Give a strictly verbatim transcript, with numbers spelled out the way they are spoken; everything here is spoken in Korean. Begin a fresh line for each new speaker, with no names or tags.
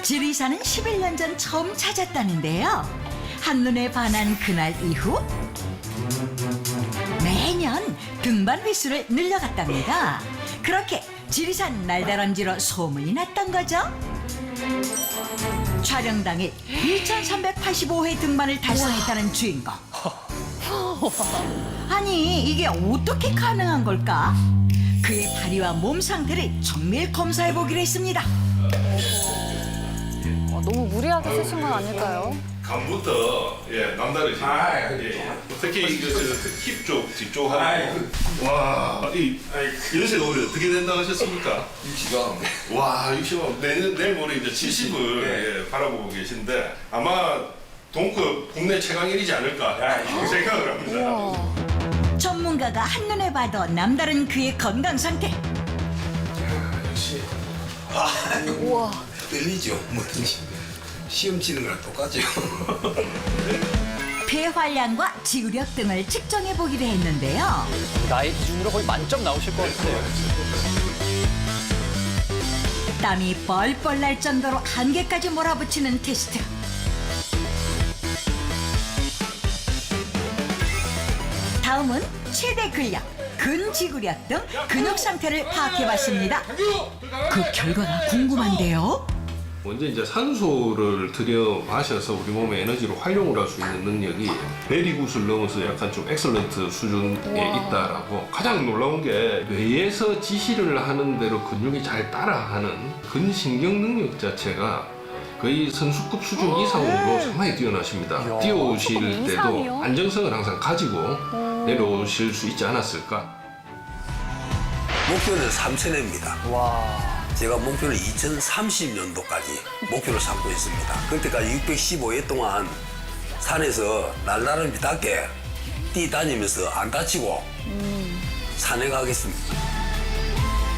지리산은 십일 년 전 처음 찾았다는데요. 한눈에 반한 그날 이후 매년 등반 횟수를 늘려갔답니다. 그렇게 지리산 날다람쥐로 소문이 났던 거죠. 촬영 당일 이천삼백팔십오 회 등반을 달성했다는 주인공. 아니 이게 어떻게 가능한 걸까? 그의 다리와 몸 상태를 정밀 검사해 보기로 했습니다.
어, 너무 무리하게 쓰신 건 아닐까요?
감부터 예 남다르시.
아,
예, 예. 특히 그힙쪽 뒤쪽 하는 와이 연세가 올해 어떻게 된다고 하셨습니까?
육십왕.
와 육십억 내년 내일 모레 이제 칠십을
네.
예, 바라보고 계신데 아마 동급 국내 최강일이지 않을까 이렇게 생각을 합니다.
우와.
전문가가 한눈에 봐도 남다른 그의 건강 상태.
역시.
우와.
떨리죠. 뭐든지. 시험 치는 거랑 똑같죠.
폐활량과 지구력 등을 측정해 보기로 했는데요.
나이 기준으로 거의 만점 나오실 것 같아요.
땀이 뻘뻘 날 정도로 한계까지 몰아붙이는 테스트. 다음은 최대 근력, 근지구력 등 근육 상태를 파악해봤습니다. 그 결과가 궁금한데요.
먼저 이제 산소를 들여 마셔서 우리 몸의 에너지로 활용을 할 수 있는 능력이 베리굿을 넘어서 약간 좀 엑설런트 수준에 있다라고. 가장 놀라운 게 뇌에서 지시를 하는 대로 근육이 잘 따라하는 근신경 능력 자체가 거의 선수급 수준 이상으로 상당히 뛰어나십니다.
이야.
뛰어오실
선수급
때도
이상이요?
안정성을 항상 가지고 내려오실 수 있지 않았을까.
목표는 삼천회입니다.
와.
제가 목표는 이천삼십 년도까지 목표를 삼고 있습니다. 그때까지 육백십오 회 동안 산에서 날다람쥐답게 뛰다니면서 안 다치고 산에 가겠습니다.